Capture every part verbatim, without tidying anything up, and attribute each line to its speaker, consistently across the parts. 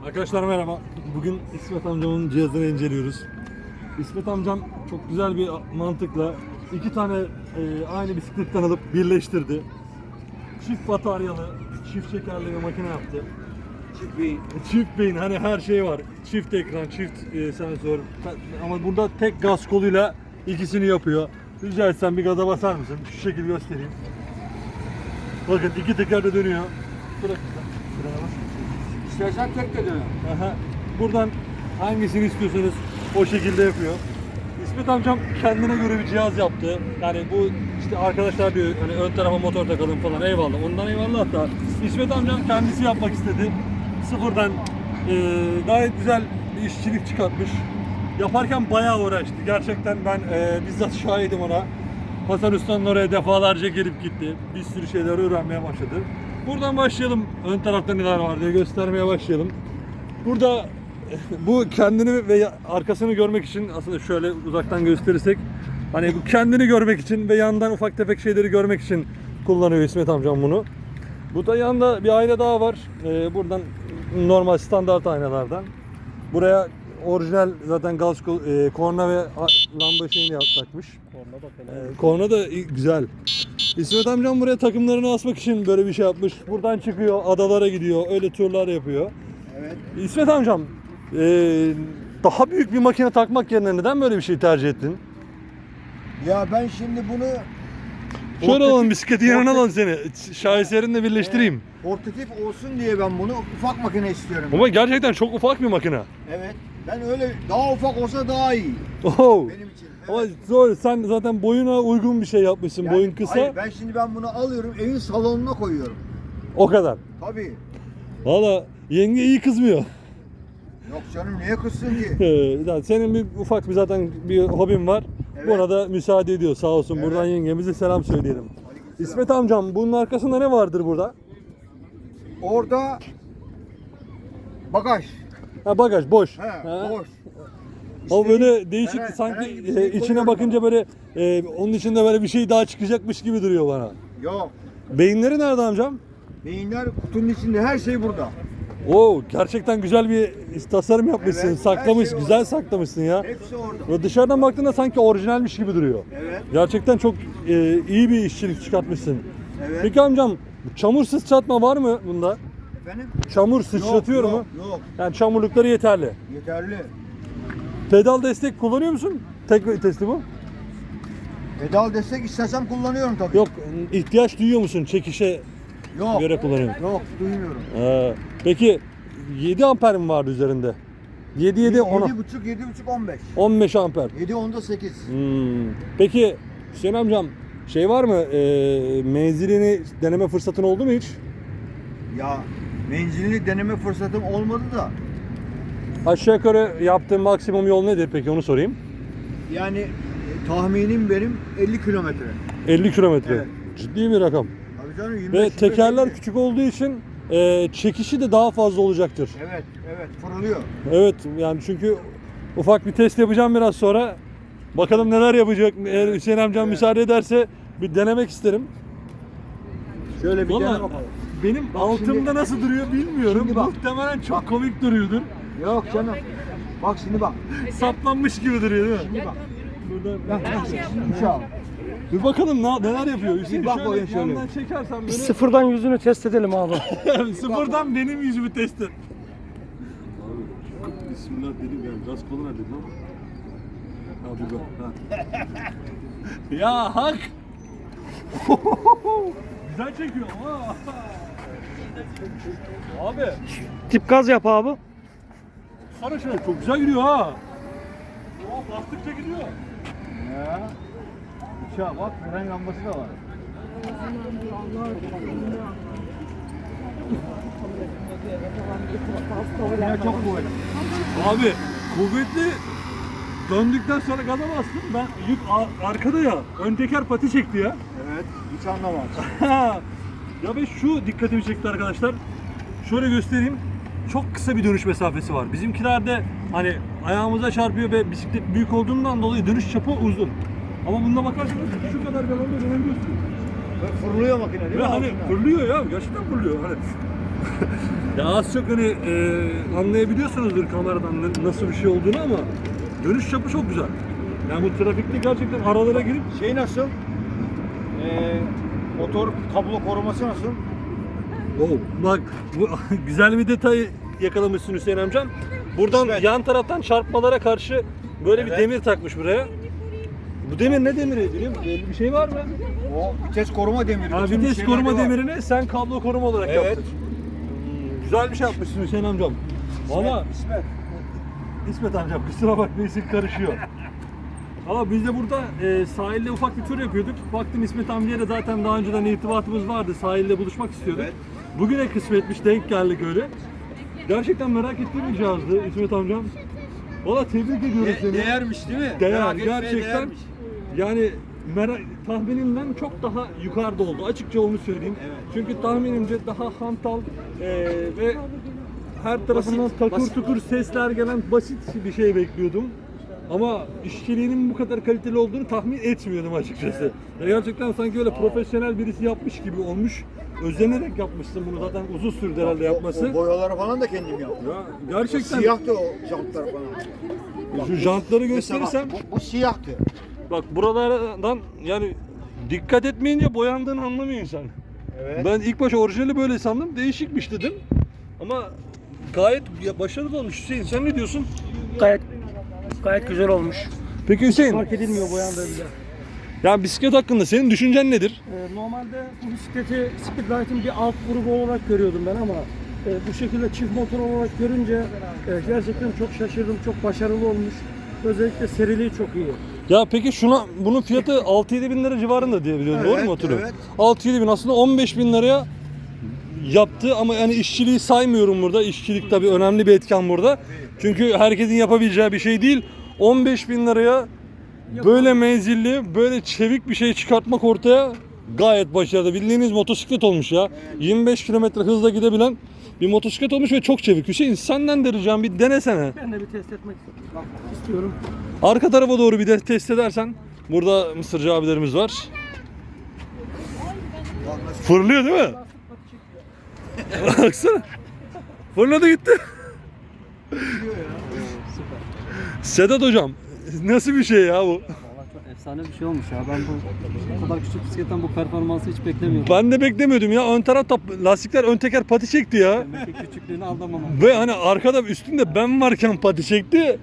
Speaker 1: Arkadaşlar merhaba. Bugün İsmet amcamın cihazını inceliyoruz. İsmet amcam çok güzel bir mantıkla iki tane e, aynı bisikletten alıp birleştirdi. Çift bataryalı, çift şekerli bir makine yaptı.
Speaker 2: Çift beyin.
Speaker 1: Çift beyin, hani her şey var. Çift ekran, çift e, sensör. Ama burada tek gaz koluyla ikisini yapıyor. Rica etsem bir gaza basar mısın? Şu şekilde göstereyim. Bakın iki teker de dönüyor. Bırak.
Speaker 2: İstersen tek de döner.
Speaker 1: Aha. Buradan hangisini istiyorsanız o şekilde yapıyor. İsmet amcam kendine göre bir cihaz yaptı. Yani bu işte arkadaşlar diyor hani ön tarafa motor takalım falan, eyvallah. Ondan eyvallah da İsmet amcam kendisi yapmak istedi. Sıfırdan e, gayet güzel bir işçilik çıkartmış. Yaparken bayağı uğraştı. Gerçekten ben e, bizzat şahidim ona. Hasan Usta'nın oraya defalarca gelip gitti. Bir sürü şeyler öğrenmeye başladı. Buradan başlayalım. Ön tarafta neler var diye göstermeye başlayalım. Burada bu kendini ve arkasını görmek için, aslında şöyle uzaktan gösterirsek, hani bu kendini görmek için ve yandan ufak tefek şeyleri görmek için kullanıyor İsmet amcam bunu. Bu da yanında bir ayna daha var. Ee, buradan normal standart aynalardan. Buraya orijinal zaten gaz e, korna ve lamba şeyini takmış.
Speaker 2: Korna da
Speaker 1: Ee, korna da güzel. İsmet amcam buraya takımlarını asmak için böyle bir şey yapmış. Buradan çıkıyor, adalara gidiyor, öyle turlar yapıyor.
Speaker 2: Evet.
Speaker 1: İsmet amcam, ee, daha büyük bir makine takmak yerine neden böyle bir şey tercih ettin?
Speaker 2: Ya ben şimdi bunu
Speaker 1: Şöyle
Speaker 2: portatif-
Speaker 1: alalım, bisikleti yanına
Speaker 2: portatif-
Speaker 1: alalım seni. Şaheserinle birleştireyim.
Speaker 2: Portatif olsun diye ben bunu ufak makine istiyorum.
Speaker 1: Ama gerçekten çok ufak bir makine.
Speaker 2: Evet. Ben öyle daha ufak olsa daha iyi
Speaker 1: Oh.
Speaker 2: benim için.
Speaker 1: Ama
Speaker 2: Evet.
Speaker 1: zor, sen zaten boyuna uygun bir şey yapmışsın.
Speaker 2: Yani,
Speaker 1: Boyun kısa.
Speaker 2: hayır, ben şimdi ben bunu alıyorum evin salonuna koyuyorum.
Speaker 1: O kadar.
Speaker 2: Tabii.
Speaker 1: Valla yenge iyi kızmıyor.
Speaker 2: Yok canım niye kızsın ki?
Speaker 1: Ee, Senin bir ufak bir zaten bir hobin var.
Speaker 2: Evet.
Speaker 1: Buna da müsaade ediyor sağ olsun.
Speaker 2: Evet.
Speaker 1: Buradan yengemize selam söyleyelim.
Speaker 2: Aleykümselam.
Speaker 1: İsmet amcam, bunun arkasında ne vardır burada?
Speaker 2: Orada bagaj.
Speaker 1: Ha, bagaj boş.
Speaker 2: He,
Speaker 1: Ha.
Speaker 2: boş.
Speaker 1: Ama
Speaker 2: İstediğin-
Speaker 1: böyle değişik,
Speaker 2: herhangi-
Speaker 1: sanki
Speaker 2: herhangi bir
Speaker 1: e,
Speaker 2: şey
Speaker 1: içine
Speaker 2: koyuyorum
Speaker 1: bakınca
Speaker 2: ama.
Speaker 1: böyle e, onun içinde böyle bir şey daha çıkacakmış gibi duruyor bana.
Speaker 2: Yok.
Speaker 1: Beyinleri nerede amcam?
Speaker 2: Beyinler kutunun içinde, her şey burada.
Speaker 1: Oo, gerçekten güzel bir tasarım yapmışsın.
Speaker 2: Evet,
Speaker 1: Saklamış,
Speaker 2: her şey
Speaker 1: güzel
Speaker 2: orada.
Speaker 1: saklamışsın ya.
Speaker 2: Hepsi orada.
Speaker 1: Ve dışarıdan baktığında sanki orijinalmiş gibi duruyor.
Speaker 2: Evet.
Speaker 1: Gerçekten çok e, iyi bir işçilik çıkartmışsın.
Speaker 2: Evet.
Speaker 1: Peki amcam, çamur sıçratma var mı bunda?
Speaker 2: Efendim?
Speaker 1: Çamur sıçratıyor
Speaker 2: yok,
Speaker 1: mu?
Speaker 2: Yok, yok.
Speaker 1: Yani çamurlukları yeterli.
Speaker 2: Yeterli.
Speaker 1: Pedal destek kullanıyor musun? Tek vitesli bu.
Speaker 2: Pedal destek istesem kullanıyorum tabii.
Speaker 1: Yok, ihtiyaç duyuyor musun çekişe
Speaker 2: Yok.
Speaker 1: göre kullanıyorum?
Speaker 2: Yok, duymuyorum.
Speaker 1: Ee, peki yedi amper mi vardı üzerinde? yedi yedi on
Speaker 2: yedi buçuk, yedi buçuk, on beş.
Speaker 1: on beş amper.
Speaker 2: yedi, onda sekiz.
Speaker 1: Hmm. Peki Hüseyin amcam, şey var mı? E, menzilini deneme fırsatın oldu mu hiç?
Speaker 2: Ya menzilini deneme fırsatım olmadı da.
Speaker 1: Aşağı yukarı yaptığın maksimum yol nedir peki, onu sorayım.
Speaker 2: Yani e, tahminim benim elli kilometre.
Speaker 1: elli kilometre.
Speaker 2: Evet.
Speaker 1: Ciddi bir rakam.
Speaker 2: Tabii canım yirmi beş,
Speaker 1: Ve
Speaker 2: yirmi beş,
Speaker 1: tekerler
Speaker 2: elli.
Speaker 1: küçük olduğu için e, çekişi de daha fazla olacaktır.
Speaker 2: Evet, evet fırlıyor.
Speaker 1: Evet, yani çünkü ufak bir test yapacağım biraz sonra. Bakalım neler yapacak. Eğer Hüseyin amcam
Speaker 2: Evet.
Speaker 1: müsaade ederse bir denemek isterim.
Speaker 2: Şöyle bir
Speaker 1: Vallahi
Speaker 2: dene bakalım.
Speaker 1: benim
Speaker 2: Bak
Speaker 1: altımda
Speaker 2: şimdi-
Speaker 1: nasıl duruyor bilmiyorum.
Speaker 2: Şimdi bak.
Speaker 1: Muhtemelen çok
Speaker 2: Bak.
Speaker 1: komik duruyordur.
Speaker 2: Yok canım. Bak şimdi bak.
Speaker 1: Saplanmış gibi duruyor değil mi?
Speaker 2: Şimdi bak.
Speaker 1: Burada
Speaker 2: Bak, bak, şimdi çal.
Speaker 1: bir bakalım ne, neler yapıyor. Hüseyin
Speaker 2: bak
Speaker 1: şöyle
Speaker 2: bakayım şöyle.
Speaker 1: yandan çekersen beni.
Speaker 3: Sıfırdan yüzünü test edelim abi.
Speaker 1: Sıfırdan benim yüzümü test et. Abi bismillah dedim ya, gaz kolu nerede lan? Abi bak. Ha. Ya hak. Güzel çekiyor ama. Abi
Speaker 3: Tip gaz yap abi.
Speaker 1: sana şöyle çok güzel gidiyor ha. Oh, bastıkça gidiyor.
Speaker 2: Ya. Uçağa bak, fren lambası da var. Ya çok kuvvetli.
Speaker 1: Abi kuvvetli, döndükten sonra gaza bastım. Ben yük ar- arkada ya. Ön teker pati çekti ya.
Speaker 2: Evet, hiç anlamaz.
Speaker 1: Ya ve şu dikkatimi çekti arkadaşlar. Şöyle göstereyim. Çok kısa bir dönüş mesafesi var. Bizimkilerde hani ayağımıza çarpıyor ve bisiklet büyük olduğundan dolayı dönüş çapı uzun. Ama bunda bakarsanız şu kadar bir alanda dönebiliyorsunuz.
Speaker 2: Ve fırlıyor makine değil
Speaker 1: Ve
Speaker 2: mi?
Speaker 1: hani
Speaker 2: altından?
Speaker 1: fırlıyor ya, gerçekten fırlıyor. Hani Ya az çok hani e, anlayabiliyorsunuzdur kameradan ne- nasıl bir şey olduğunu ama dönüş çapı çok güzel. Yani bu trafikte gerçekten aralara girip
Speaker 2: Şey nasıl? Ee, motor kablo koruması nasıl?
Speaker 1: oh, bak bu güzel bir detay yakalamışsın Hüseyin amcam. Buradan
Speaker 2: Evet.
Speaker 1: yan taraftan çarpmalara karşı böyle bir
Speaker 2: Evet.
Speaker 1: demir takmış buraya. Bu demir ne demiri biliyor musun? Belli bir şey var mı?
Speaker 2: O vites koruma demiri.
Speaker 1: Ha,
Speaker 2: Bütün
Speaker 1: vites
Speaker 2: şeylerde
Speaker 1: koruma
Speaker 2: var.
Speaker 1: demirini sen kablo koruma olarak
Speaker 2: Evet.
Speaker 1: yaptın. Hmm, güzel bir şey yapmışsın Hüseyin amcam. Valla
Speaker 2: İsmet.
Speaker 1: İsmet amcam kusura bakma isim karışıyor. Ama biz de burada e, sahilde ufak bir tur yapıyorduk. Baktım İsmet amcaya da zaten daha önceden irtibatımız vardı. Sahilde buluşmak istiyorduk.
Speaker 2: Evet.
Speaker 1: Bugüne kısmetmiş, denk geldik öyle. Gerçekten merak ettiğim bir cihazdı İsmet amcam. Valla tebrik ediyorum
Speaker 2: De-
Speaker 1: seni.
Speaker 2: değermiş değil mi?
Speaker 1: Değer,
Speaker 2: Merak etmeye
Speaker 1: gerçekten.
Speaker 2: değermiş.
Speaker 1: Yani merak, tahminimden çok daha yukarıda oldu. Açıkça onu söyleyeyim.
Speaker 2: Evet.
Speaker 1: Çünkü tahminimce daha hantal e, ve her tarafından
Speaker 2: Basit,
Speaker 1: takır
Speaker 2: basit.
Speaker 1: tukur sesler gelen basit bir şey bekliyordum. Ama işçiliğinin bu kadar kaliteli olduğunu tahmin etmiyordum açıkçası. Ya gerçekten sanki öyle profesyonel birisi yapmış gibi olmuş. Özenerek yapmışsın bunu, zaten uzun sürdü herhalde
Speaker 2: O,
Speaker 1: yapması.
Speaker 2: o boyaları falan da kendim yaptım.
Speaker 1: Ya gerçekten
Speaker 2: Siyahtı o jantlar falan.
Speaker 1: şu jantları
Speaker 2: Mesela
Speaker 1: gösterirsem
Speaker 2: bak, bu, bu siyahtı.
Speaker 1: bak buralardan yani dikkat etmeyince boyandığını anlamıyor insan.
Speaker 2: Evet.
Speaker 1: Ben ilk başta orijinali böyle sandım, değişikmiş dedim. Ama gayet ya başarılı olmuş Hüseyin. Sen ne diyorsun?
Speaker 3: Gayet gayet güzel olmuş.
Speaker 1: Peki Hüseyin,
Speaker 3: Fark edilmiyor boyandığı bile.
Speaker 1: ya bisiklet hakkında senin düşüncen nedir?
Speaker 3: Ee, normalde bu bisikleti Speedlight'ın bir alt grubu olarak görüyordum ben ama e, bu şekilde çift motor olarak görünce e, gerçekten çok şaşırdım. Çok başarılı olmuş. Özellikle seriliği çok iyi.
Speaker 1: Ya peki şuna, bunun fiyatı altı yedi bin lira civarında diye biliyorum, doğru
Speaker 2: Evet,
Speaker 1: mu hatırlıyorum?
Speaker 2: evet.
Speaker 1: altı yedi bin aslında on beş bin liraya yaptı ama yani işçiliği saymıyorum burada. İşçilik tabii önemli bir etken burada. Çünkü herkesin yapabileceği bir şey değil. on beş bin liraya böyle menzilli, böyle çevik bir şey çıkartmak ortaya gayet başarılı. Bildiğiniz motosiklet olmuş ya. yirmi beş kilometre hızla gidebilen bir motosiklet olmuş ve çok çevik. Hüseyin senden de ricam bir denesene.
Speaker 3: Ben de bir test etmek istiyorum.
Speaker 1: Arka tarafa doğru bir de test edersen. Burada Mısırcı abilerimiz var. Fırlıyor değil mi? Baksana. Fırladı gitti. Sedat hocam, nasıl bir şey ya bu?
Speaker 4: Valla çok efsane bir şey olmuş ya. Ben bu, bu kadar küçük bisikletten bu performansı hiç beklemiyordum.
Speaker 1: Ben de beklemiyordum ya. Ön taraf tap- lastikler ön teker pati çekti ya.
Speaker 4: Demek ki küçüklüğünü aldamamam.
Speaker 1: Ve hani arkada üstünde ben varken pati çekti.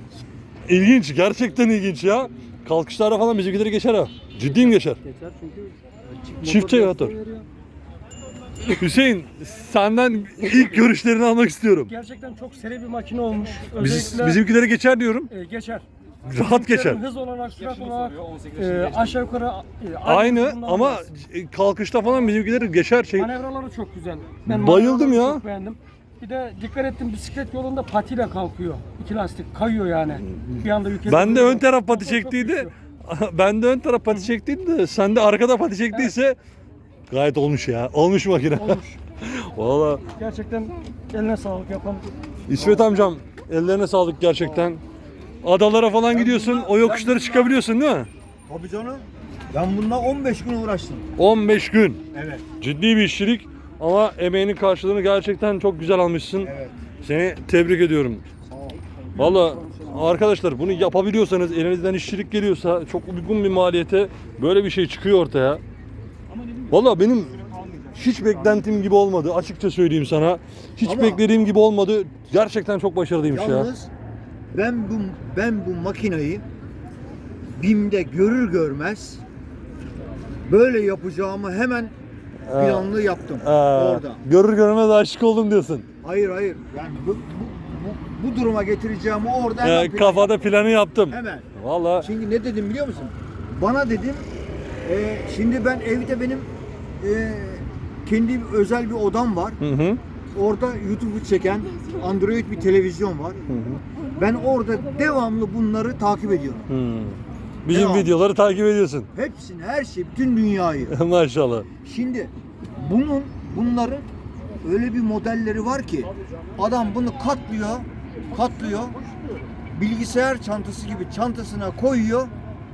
Speaker 1: İlginç, gerçekten ilginç ya. Kalkışlarda falan bizimkileri geçer ha. Ciddiyim geçer.
Speaker 4: Geçer çünkü
Speaker 1: Çift
Speaker 4: motor
Speaker 1: motor.
Speaker 4: desteği veriyor.
Speaker 1: Hüseyin, senden ilk görüşlerini almak istiyorum.
Speaker 3: Gerçekten çok seri bir makine olmuş.
Speaker 1: Biz,
Speaker 3: Özellikle
Speaker 1: bizimkileri geçer diyorum.
Speaker 3: e, geçer.
Speaker 1: Rahat geçer.
Speaker 3: Hız olarak, sürat olarak e, aşağı yukarı e,
Speaker 1: Aynı
Speaker 3: hızından
Speaker 1: ama
Speaker 3: biraz.
Speaker 1: kalkışta falan bizimkileri geçer şey.
Speaker 3: Manevraları çok güzel. Ben
Speaker 1: Bayıldım
Speaker 3: manevraları
Speaker 1: ya.
Speaker 3: Çok beğendim. Bir de dikkat ettim, bisiklet yolunda patiyle kalkıyor. İki lastik kayıyor yani. Bir anda yük
Speaker 1: Ben de
Speaker 3: ediliyor.
Speaker 1: ön taraf pati
Speaker 3: Motor çok
Speaker 1: çektiydi.
Speaker 3: güçlü.
Speaker 1: Ben de ön taraf pati çektiydi de sen de arkada pati çektiyse gayet olmuş ya. Olmuş makine.
Speaker 3: Olmuş.
Speaker 1: Valla
Speaker 3: Gerçekten eline sağlık yapan.
Speaker 1: İsmet amcam ellerine sağlık gerçekten. Adalara falan gidiyorsun, o yokuşları çıkabiliyorsun değil mi?
Speaker 2: Tabii canım. Ben bununla on beş gün uğraştım.
Speaker 1: on beş gün.
Speaker 2: Evet.
Speaker 1: Ciddi bir işçilik ama emeğinin karşılığını gerçekten çok güzel almışsın.
Speaker 2: Evet.
Speaker 1: Seni tebrik ediyorum.
Speaker 2: Sağ ol.
Speaker 1: Valla arkadaşlar bunu yapabiliyorsanız, elinizden işçilik geliyorsa çok uygun bir maliyete böyle bir şey çıkıyor ortaya. Valla benim hiç beklentim gibi olmadı, açıkça söyleyeyim sana. Hiç
Speaker 2: Ama-
Speaker 1: beklediğim gibi olmadı. Gerçekten çok başarılıymış ya.
Speaker 2: Yalnız ben bu ben bu makinayı BİM'de görür görmez böyle yapacağımı hemen planlı yaptım
Speaker 1: Ee,
Speaker 2: orada.
Speaker 1: Görür görmez aşık oldum diyorsun.
Speaker 2: Hayır hayır. Yani bu, bu, bu, bu duruma getireceğimi orada hemen
Speaker 1: Ee,
Speaker 2: plan
Speaker 1: kafada
Speaker 2: yaptım.
Speaker 1: planı yaptım.
Speaker 2: Hemen.
Speaker 1: Valla
Speaker 2: Şimdi ne dedim biliyor musun? Bana dedim e, şimdi ben evde benim e, kendi özel bir odam var.
Speaker 1: hı hı.
Speaker 2: Orada YouTube'u çeken Android bir televizyon var. Ben orada devamlı bunları takip ediyorum.
Speaker 1: Hı. Bizim
Speaker 2: Devam.
Speaker 1: videoları takip ediyorsun.
Speaker 2: Hepsini, her şey, bütün dünyayı.
Speaker 1: Maşallah.
Speaker 2: Şimdi bunun bunların öyle bir modelleri var ki adam bunu katlıyor, katlıyor. Bilgisayar çantası gibi çantasına koyuyor.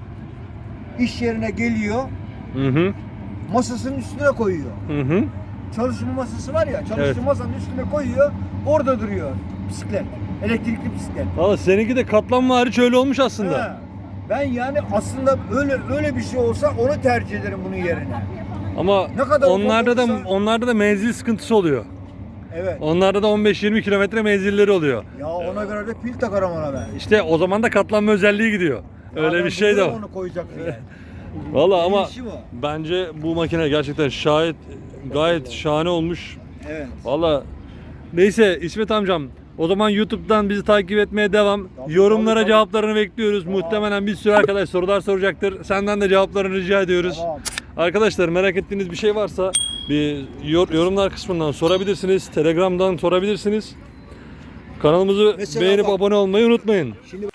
Speaker 2: İş yerine geliyor.
Speaker 1: Hı hı.
Speaker 2: Masasının üstüne koyuyor.
Speaker 1: Hı hı.
Speaker 2: çalışma masası var ya, çalışma
Speaker 1: Evet.
Speaker 2: masanın üstüne koyuyor, orada duruyor bisiklet. Elektrikli bisiklet.
Speaker 1: Valla seninki de katlanma hariç öyle olmuş aslında.
Speaker 2: Ha. Ben yani aslında öyle öyle bir şey olsa onu tercih ederim bunun yerine.
Speaker 1: Ama
Speaker 2: Ne kadar
Speaker 1: onlarda da
Speaker 2: ufak olursa-
Speaker 1: onlarda da menzil sıkıntısı oluyor.
Speaker 2: Evet.
Speaker 1: Onlarda da on beş yirmi kilometre menzilleri oluyor.
Speaker 2: Ya ona göre de pil takarım ona ben.
Speaker 1: İşte o zaman da katlanma özelliği gidiyor.
Speaker 2: Ya
Speaker 1: Öyle
Speaker 2: ben
Speaker 1: bir şey de
Speaker 2: biliyorum
Speaker 1: var.
Speaker 2: onu koyacak diye.
Speaker 1: Valla
Speaker 2: Benim
Speaker 1: ama
Speaker 2: işim o.
Speaker 1: bence bu makine gerçekten şayet gayet şahane olmuş.
Speaker 2: Evet.
Speaker 1: Valla neyse İsmet amcam, o zaman YouTube'dan bizi takip etmeye devam.
Speaker 2: Tabii,
Speaker 1: Yorumlara
Speaker 2: tabii, tabii.
Speaker 1: cevaplarını bekliyoruz.
Speaker 2: Tamam.
Speaker 1: Muhtemelen bir sürü arkadaş sorular soracaktır. Senden de cevaplarını rica ediyoruz.
Speaker 2: Tamam.
Speaker 1: Arkadaşlar merak ettiğiniz bir şey varsa bir yor- yorumlar kısmından sorabilirsiniz. Telegram'dan sorabilirsiniz. Kanalımızı
Speaker 2: Mesela
Speaker 1: beğenip
Speaker 2: bak-
Speaker 1: abone olmayı unutmayın.
Speaker 2: Şimdi